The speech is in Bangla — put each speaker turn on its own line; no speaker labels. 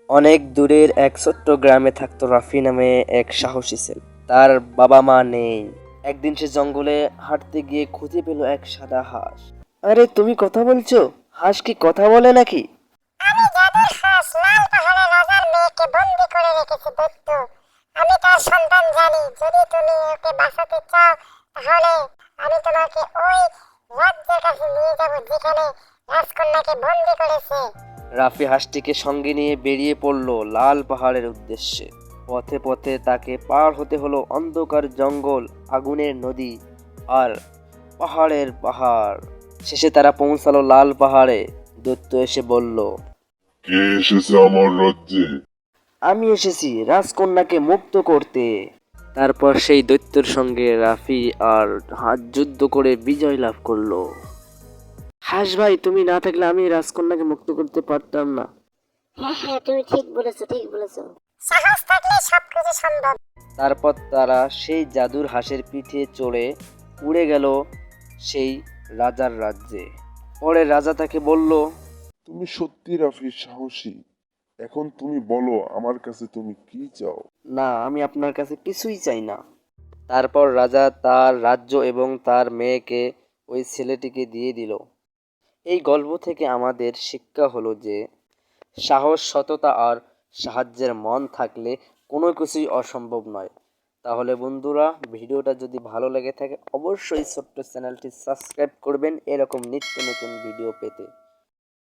অনেক দূরের এক ছোট্ট গ্রামে থাকতো রাফি নামে এক সাহসী ছেলে। তার বাবা মা নেই। একদিন সে জঙ্গলে হাঁটতে গিয়ে খুঁজে পেল এক সাদা হাঁস। আরে তুমি কথা বলছো? হাঁস কি কথা বলে নাকি?
আমি জাদুর হাঁস লাল পাহাড়ে রাজার মেয়েকে বন্দি করে রেখেছি দৈত্য। আমি তার সন্তান জানি। যদি তুমি ওকে বাঁচাতে চাও তাহলে আমি তোমাকে ওই রাজ্যের কাছে নিয়ে যাব যেখানে রাজকন্যাকে বন্দি করেছে।
রাফি হাঁসটিকে সঙ্গে নিয়ে বেরিয়ে পড়ল লাল পাহাড়ের উদ্দেশ্যে। পথে পথে তাকে পার হতে হলো অন্ধকার জঙ্গল, আগুনের নদী আর পাহাড়ের পাহাড়। শেষে তারা পৌঁছালো লাল পাহাড়ে। দৈত্য এসে বলল,
কে এসেছে আমার রাজ্যে?
আমি এসেছি রাজকন্যাকে মুক্ত করতে। তারপর সেই দৈত্যের সঙ্গে রাফি আর হাত যুদ্ধ করে বিজয় লাভ করলো। হাস ভাই, তুমি না থাকলে আমি রাজকন্যাকে মুক্ত করতে পারতাম না।
হ্যাঁ হ্যাঁ, তুমি ঠিক বলেছো, ঠিক বলেছো। সাহস থাকলে সবকিছু সম্ভব।
তারপর তারা সেই জাদুর হাঁসের পিঠে চড়ে উড়ে গেল সেই রাজার রাজ্যে। পরে রাজা তাকে বলল,
তুমি সত্যি রাফি সাহসী। এখন তুমি বলো আমার কাছে তুমি কি চাও?
না, আমি আপনার কাছে কিছুই চাই না। তারপর রাজা তার রাজ্য এবং তার মেয়েকে ওই ছেলেটিকে দিয়ে দিল। এই গল্প থেকে আমাদের শিক্ষা হলো যে সাহস, সততা আর সাহায্যের মন থাকলে কোনো কিছুই অসম্ভব নয়। তাহলে বন্ধুরা, ভিডিওটা যদি ভালো লেগে থাকে অবশ্যই ছোট্ট চ্যানেলটি সাবস্ক্রাইব করবেন এরকম নিত্য নতুন ভিডিও পেতে।